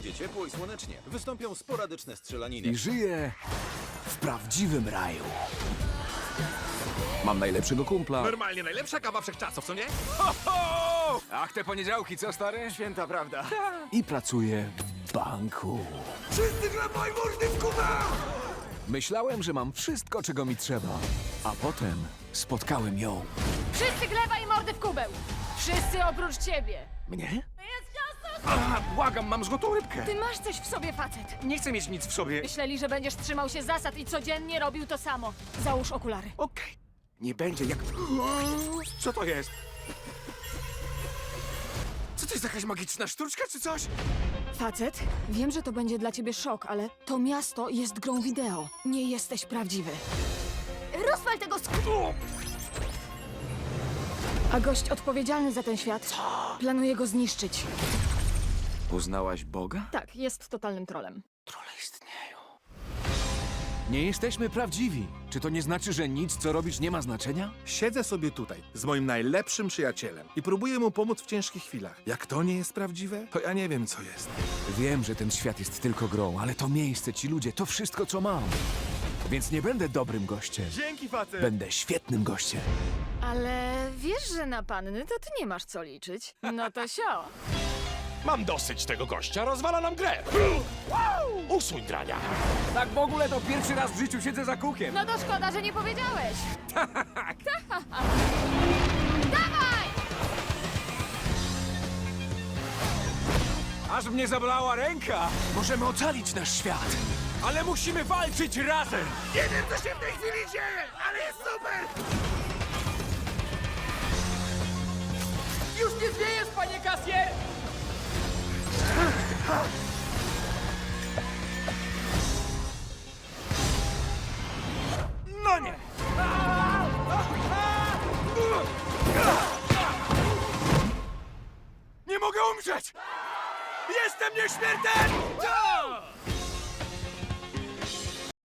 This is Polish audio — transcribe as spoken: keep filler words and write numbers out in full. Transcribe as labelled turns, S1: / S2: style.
S1: Będzie ciepło i słonecznie. Wystąpią sporadyczne strzelaniny.
S2: I żyję w prawdziwym raju. Mam najlepszego kumpla.
S3: Normalnie najlepsza kawa wszechczasów, co nie?
S2: Ach, te poniedziałki, co stary?
S1: Święta prawda.
S2: I pracuję w banku.
S3: Wszyscy chlebaj mordy w kubę!
S2: Myślałem, że mam wszystko, czego mi trzeba. A potem spotkałem ją.
S4: Wszyscy gleba i mordy w kubeł! Wszyscy oprócz ciebie!
S2: Mnie?
S3: A, błagam, mam złotą rybkę.
S4: Ty masz coś w sobie, facet!
S3: Nie chcę mieć nic w sobie.
S4: Myśleli, że będziesz trzymał się zasad i codziennie robił to samo. Załóż okulary.
S3: Okej. Nie będzie jak... Co to jest? Co to jest, jakaś magiczna sztuczka czy coś?
S4: Facet, wiem, że to będzie dla ciebie szok, ale to miasto jest grą wideo. Nie jesteś prawdziwy. Rozwal tego sk... A gość odpowiedzialny za ten świat planuje go zniszczyć.
S2: Poznałaś Boga?
S4: Tak, jest totalnym trolem.
S2: Trole istnieją. Nie jesteśmy prawdziwi. Czy to nie znaczy, że nic, co robisz, nie ma znaczenia?
S5: Siedzę sobie tutaj z moim najlepszym przyjacielem i próbuję mu pomóc w ciężkich chwilach. Jak to nie jest prawdziwe, to ja nie wiem, co jest.
S2: Wiem, że ten świat jest tylko grą, ale to miejsce, ci ludzie, to wszystko, co mam. Więc nie będę dobrym gościem.
S5: Dzięki, facet!
S2: Będę świetnym gościem.
S4: Ale wiesz, że na panny to ty nie masz co liczyć. No to sio.
S3: Mam dosyć tego gościa, rozwala nam grę. Usuń drania.
S2: Tak w ogóle to pierwszy raz w życiu siedzę za kółkiem.
S4: No to szkoda, że nie powiedziałeś. Dawaj!
S2: Aż mnie zabolała ręka. Możemy ocalić nasz świat, ale musimy walczyć razem.
S3: Nie wiem, co się w tej chwili dzieje, ale jest super!
S6: Już nie zwiejesz, panie kasjer!
S3: No nie! Nie mogę umrzeć! Jestem nieśmiertelny!